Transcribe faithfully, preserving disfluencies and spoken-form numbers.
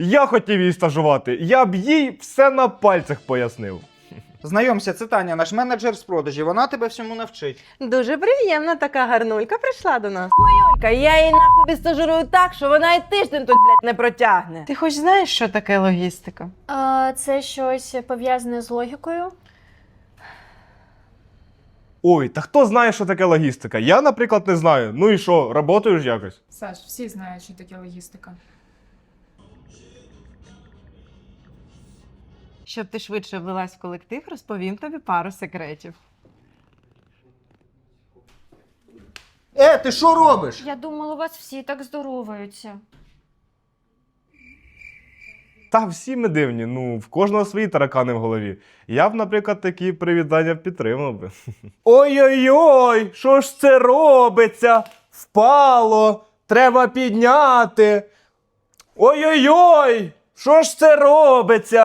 Я хотів її стажувати, я б їй все на пальцях пояснив. Знайомся, це Таня, наш менеджер з продажів, вона тебе всьому навчить. Дуже приємно, така гарнулька прийшла до нас. Хуюлька, я її нахуй відстажирую так, що вона і тиждень тут, блядь, не протягне. Ти хоч знаєш, що таке логістика? А, це щось пов'язане з логікою? Ой, та хто знає, що таке логістика? Я, наприклад, не знаю. Ну і що, работаєш якось? Саш, всі знають, що таке логістика. Щоб ти швидше влилась в колектив, розповім тобі пару секретів. Е, ти що робиш? Я думала, у вас всі так здороваються. Та всі ми дивні, ну, в кожного свої таракани в голові. Я б, наприклад, такі привітання підтримав би. Ой-ой-ой, що ж це робиться? Впало, треба підняти. Ой-ой-ой, що ж це робиться?